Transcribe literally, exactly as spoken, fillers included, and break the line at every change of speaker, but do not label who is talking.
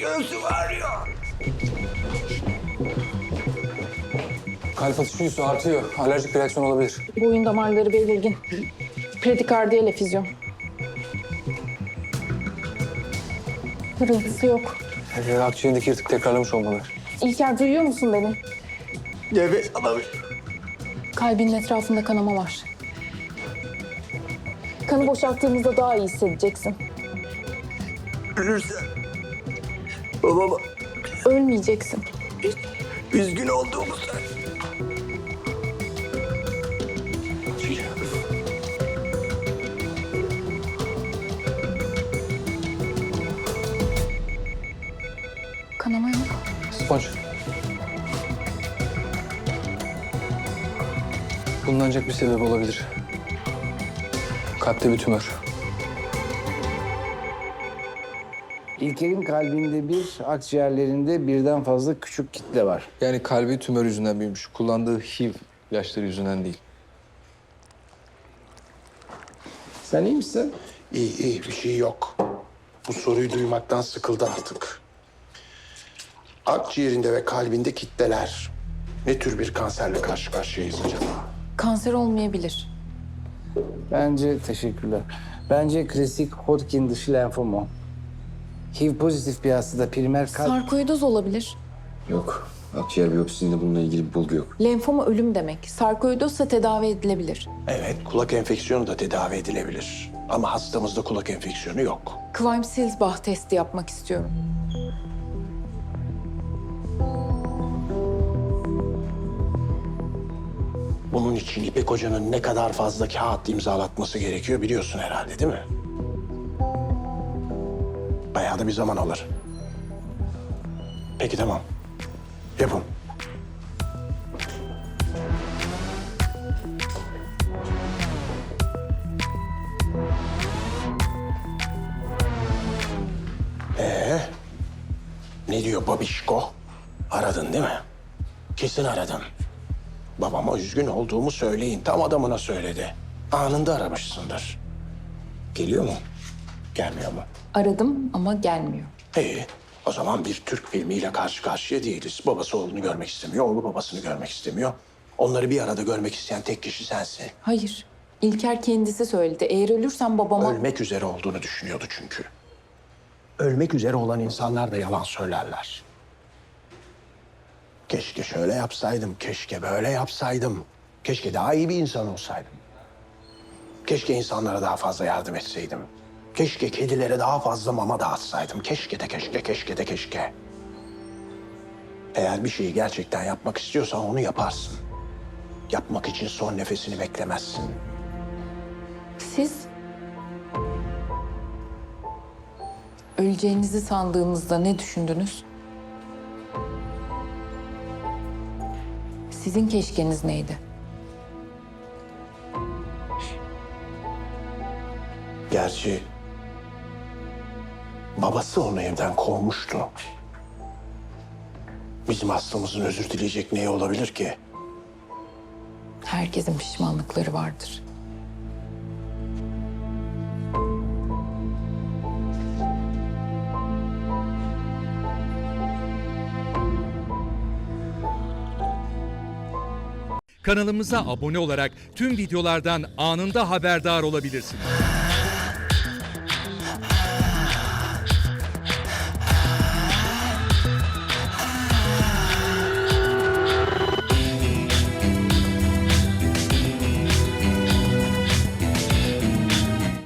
Göğsü ağrıyor.
Kalp atışı yüzü artıyor. Alerjik bir reaksiyon olabilir.
Boyun damarları belirgin. Predikardiyal efüzyon. Kırıntısı yok.
Ee, akciğerindeki yırtık tekrarlamış olmalı.
İlker duyuyor musun beni?
Nefes alamıyorum.
Kalbinin etrafında kanama var. Kanı boşalttığımızda daha iyi hissedeceksin.
Ölürsen babama
Ölmeyeceksin.
üzgün olduğumu söyle.
Kanama yok.
Sponç. Bunun ancak bir sebep olabilir. Kalpte bir tümör.
İlker'in kalbinde bir, akciğerlerinde birden fazla küçük kitle var.
Yani kalbi tümör yüzünden büyümüş. Kullandığı H I V ilaçları yüzünden değil.
Sen iyi misin?
İyi iyi bir şey yok. Bu soruyu duymaktan sıkıldı artık. Akciğerinde ve kalbinde kitleler. Ne tür bir kanserle karşı karşıyayız acaba?
Kanser olmayabilir.
Bence teşekkürler. Bence klasik Hodgkin dışı lenfoma. H I V pozitif bir hastada primer kalp...
Sarkoidoz olabilir.
Yok. Akciğer biyopsisinde bununla ilgili bir bulgu yok.
Lenfoma ölüm demek. Sarkoidozsa tedavi edilebilir.
Evet, kulak enfeksiyonu da tedavi edilebilir. Ama hastamızda kulak enfeksiyonu yok.
Quine-Silsbach testi yapmak istiyorum.
Bunun için İpek Hoca'nın ne kadar fazla kağıt imzalatması gerekiyor biliyorsun herhalde, değil mi? Bayağı da bir zaman alır. Peki tamam. Yapın. Ee, ne diyor babişko? Aradın değil mi? Kesin aradın. Babama üzgün olduğumu söyleyin. Tam adamına söyledi. Anında aramışsındır. Geliyor mu? Gelmiyor mu?
Aradım ama gelmiyor.
İyi. O zaman bir Türk filmiyle karşı karşıya değiliz. Babası oğlunu görmek istemiyor, oğlu babasını görmek istemiyor. Onları bir arada görmek isteyen tek kişi sensin.
Hayır. İlker kendisi söyledi. Eğer ölürsem babama...
Ölmek üzere olduğunu düşünüyordu çünkü. Ölmek üzere olan insanlar da yalan söylerler. Keşke şöyle yapsaydım, keşke böyle yapsaydım. Keşke daha iyi bir insan olsaydım. Keşke insanlara daha fazla yardım etseydim. Keşke kedilere daha fazla mama dağıtsaydım. Keşke de keşke, keşke de keşke. Eğer bir şeyi gerçekten yapmak istiyorsan onu yaparsın. Yapmak için son nefesini beklemezsin.
Siz... Öleceğinizi sandığınızda ne düşündünüz? Sizin keşkeniz neydi?
Gerçi babası onu evden kovmuştu. Bizim hastamızın özür dileyecek neyi olabilir ki?
Herkesin pişmanlıkları vardır.
Kanalımıza abone olarak tüm videolardan anında haberdar olabilirsiniz.